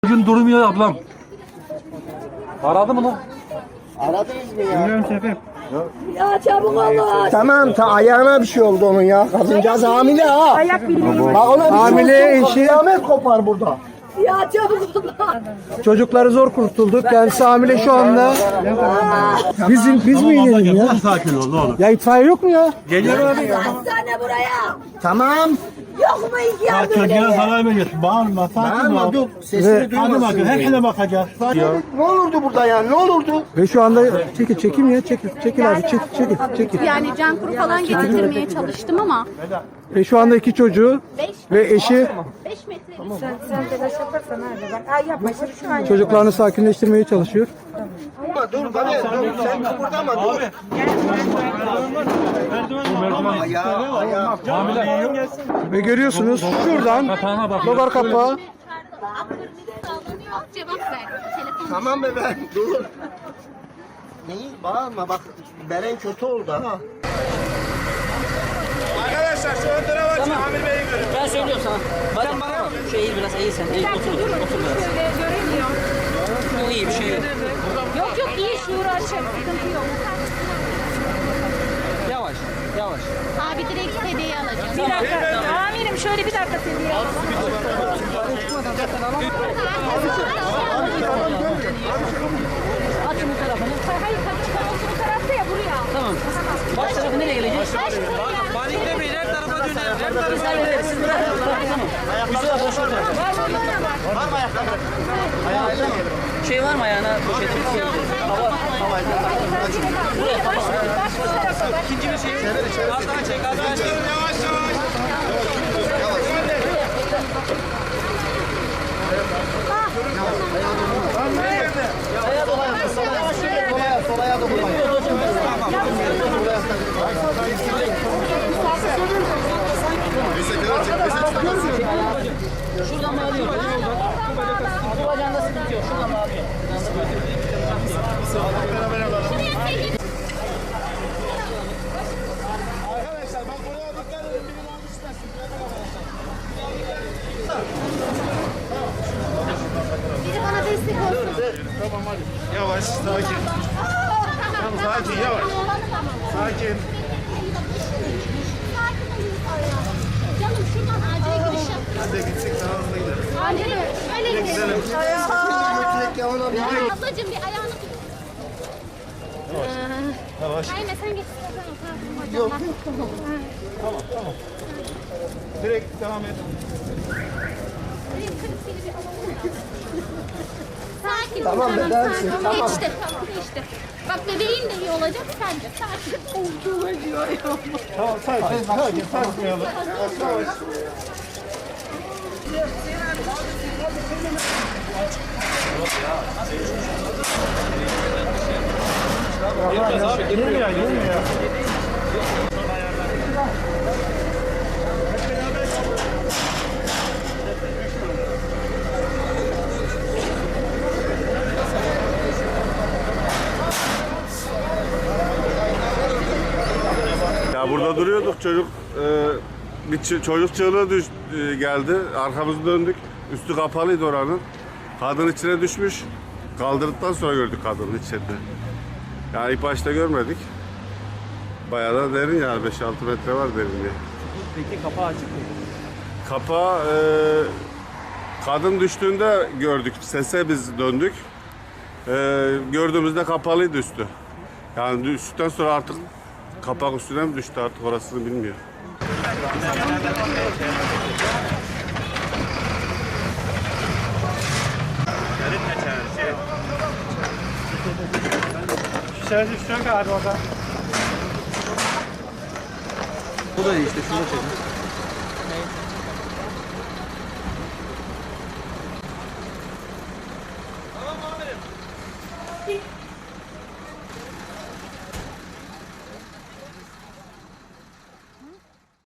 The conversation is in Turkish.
Bugün durmuyor ablam. Aradı mı lan? Aradınız mı ya? Bilmiyorum şefim. Ya çabuk olun. Tamam ayağına bir şey oldu onun ya. Kadıncağız hamile ha. Ayak bildiğin. Bak ona bir Hamile şey olsun, eşi. kıyamet kopar burada. Ya çabuk olun. Çocukları zor kurtulduk. Kendisi hamile şu anda. Biz mi inelim ya? Sakin ol ne olur. Ya itfaiye yok mu ya? Geliyor abi. Hastane buraya. Tamam. Yok mu iki yardım Çocuğa edin? zarar veriyorsun. Bağırma sakin Bağırma ol. dur. Sesini Hadi duymasın. bakın herkese bakacağız. Ne olurdu burada ya? Ne olurdu? Ve şu anda çekim ya çekil abi çekil. Yani can kuru falan getirmeye çalıştım ama Ve şu anda iki çocuğu ve eşi 5 metre. Sen telaş yaparsan hadi bak. Ay yapma şimdi şu an. çocuklarını sakinleştirmeye çalışıyor. Dur bana dur. Sen kıpırdama dur. Ayağı. Ve görüyorsunuz şuradan logar kapağı Cevap ver. Telefon. Tamam be ben dur. Neyi? Bağırma bak. Beren kötü oldu ha. Arkadaşlar şu ön tarafa açın. Amir Bey'i görün. Ben söylüyorum sana. Sen bana bak. Şu eğil biraz eğil sen. Eğil otur biraz. Görünmüyor. Bu iyi bir şey yok. Yok iyi şuuru açık. Sıkıntı yok. Yavaş. Yavaş. Abi direkt hediye alacağım. Bir dakika. Amirim şöyle bir dakika hediye alalım. Açın bu tarafını. Hayır bu tarafta ya buraya. Tamam. Baş tarafı nereye gelecek? Paniklemeyin. Her tarafa dönelim. Her tarafa dönelim. Siz bırakın. Tamam. Yusuf abla şu tarafa. Var mı ayakkabı? Şey var mı ayağına poşeti? Hava. Buraya kapat. İkinci bir şey. Az daha çek. Az daha çek. Yavaş yavaş. Şuradan bağlıyor. Bu bacağında sıkıntı yok. Şuradan bağlıyor. Arkadaşlar bak buraya dikkat edin. Biri var düşmesin. Biri bana destek olsun. Tamam hadi. Yavaş, sakin. Tamam, sakin, yavaş. Sakin. Canım şuradan acile giriş yap. Hadi gittik daha hızlı gidelim. Öyle gidelim. Ablacığım bir ayağını tut. Yavaş. Aynen sen geç. Yok. Tamam. Direkt devam et. Sakin Tamam, ol. bedensin, Tamam. tamam. Geçti. Tamam geçti. Bak bebeğin de iyi olacak sence. Sakin. Tamam, sakin. Sarsmayalım. Yavaş. Girmiyor. Ya burada duruyorduk çocuk çocuk çığlığı geldi. Arkamızı döndük. Üstü kapalıydı oranın. Kadın içine düşmüş. Kaldırdıktan sonra gördük kadının içinde. Yani ilk başta görmedik. Bayağı da derin yani 5-6 metre var derinliği. Peki kapağı açık mıydı? Kapağı kadın düştüğünde gördük. Sese biz döndük. Gördüğümüzde kapalıydı üstü. Yani düştükten sonra artık kapak üstüne mi düştü artık orasını bilmiyor. Şişer düşecek abi orada. Bu da iyi işte şunu çekin.